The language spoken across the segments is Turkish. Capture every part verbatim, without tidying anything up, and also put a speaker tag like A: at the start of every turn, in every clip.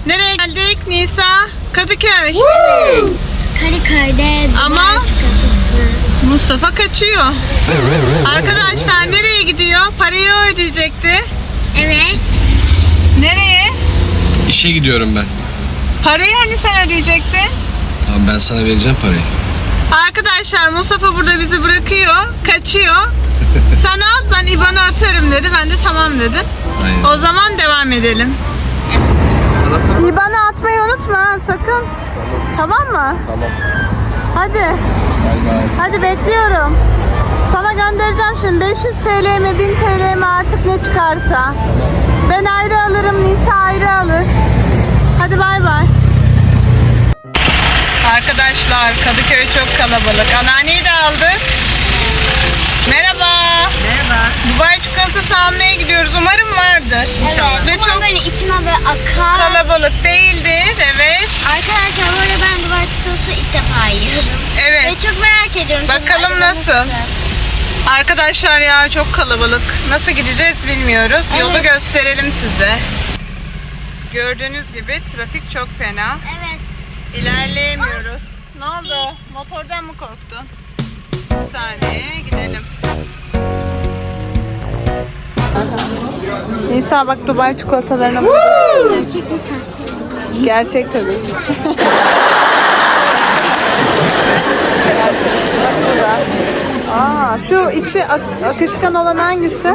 A: Nereye geldik Nisa? Kadıköy.
B: Evet. Kadıköy'de
A: Ama
B: Dubai çikolatası.
A: Mustafa kaçıyor. Arkadaşlar nereye gidiyor? Parayı o ödeyecekti.
B: Evet.
A: Nereye?
C: İşe gidiyorum ben.
A: Parayı hani sen ödeyecektin?
C: Tamam, ben sana vereceğim parayı.
A: Arkadaşlar Mustafa burada bizi bırakıyor, kaçıyor. Sen al, ben İ B A N'ı atarım dedi. Ben de tamam dedim.
C: Aynen.
A: O zaman devam edelim. İ B A N'ı atmayı unutma ha, sakın. Tamam mı?
C: Tamam.
A: Hadi. Hadi bekliyorum. Sana göndereceğim şimdi beş yüz TL mi bin TL mi artık ne çıkarsa. Ben ayrı alırım, Nisa ayrı alır. Hadi bay bay. Arkadaşlar Kadıköy çok kalabalık. Anneanneyi de aldık. Merhaba. Merhaba. Dubai çikolatası almaya gidiyoruz. Umarım vardır. İnşallah.
B: Evet.
A: Ve
B: Ama
A: çok
B: böyle içine böyle akar.
A: kalabalık değildir. Evet.
B: Arkadaşlar böyle ben Dubai çikolatası ilk defa yiyorum.
A: Evet.
B: Ve çok merak ediyorum.
A: Bakalım
B: Acaba
A: nasıl? Arkadaşlar ya çok kalabalık. Nasıl gideceğiz bilmiyoruz.
B: Evet.
A: Yolu gösterelim size. Gördüğünüz gibi trafik çok fena.
B: Evet.
A: İlerleyemiyoruz. Ne oldu? Motordan mı korktun? Bir saniye gidelim. Nisa bak Dubai çikolatalarına bak.
B: Gerçek misin?
A: Gerçek tabii ki. Gerçek. Bak burada. Aa, şu içi ak- akışkan olan hangisi?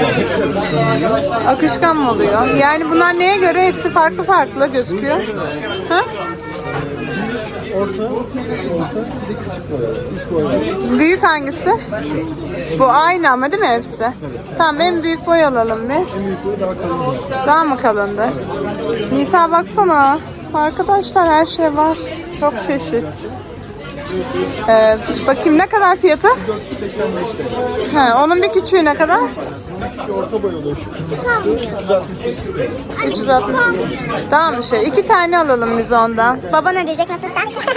A: Akışkan mı oluyor? Yani bunlar neye göre? Hepsi farklı farklı gözüküyor. Ha?
D: Orta, orta, bir de küçük boy. Üç boy var.
A: Büyük hangisi? Bu aynı ama değil mi hepsi? Tamam en büyük boy alalım biz.
D: En büyük boy daha kalın.
A: Daha mı kalındı? Nisa baksana. Arkadaşlar her şey var. Çok çeşit. Ee, bakayım ne kadar fiyatı?
D: dört yüz seksen beş T L.
A: He, onun bir küçüğü ne kadar?
D: Şu orta boy oluyor. Şu üç yüz altmış sekiz T L.
A: üç yüz altmış. Tamam şey. İki tane alalım biz ondan.
B: Baban ödeyecek nasıl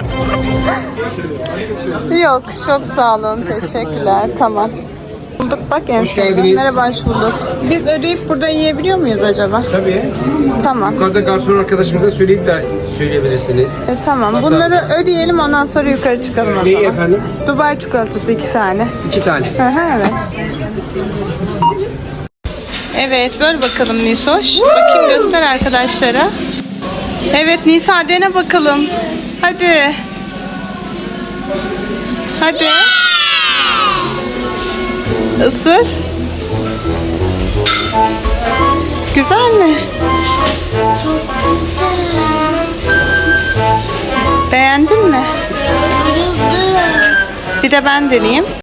B: sen?
A: Yok çok sağ olun. Teşekkürler. Tamam. Bulduk bak en
C: Hoş
A: sonunda.
C: geldiniz.
A: Merhaba hoş bulduk. Biz ödeyip burada yiyebiliyor muyuz acaba?
C: Tabii.
A: Tamam.
C: Yukarıda garson arkadaşımıza söyleyip de söyleyebilirsiniz.
A: E, tamam. Bunları ödeyelim ondan sonra yukarı çıkalım o
C: Neyi
A: zaman.
C: efendim?
A: Dubai çikolatası iki tane.
C: İki tane.
A: Hı hı evet. Evet böl bakalım Nisoş. Bakayım göster arkadaşlara. Evet Nisa dene bakalım. Hadi. Hadi. Isır. Güzel mi? Beğendin mi? Bir de ben deneyeyim.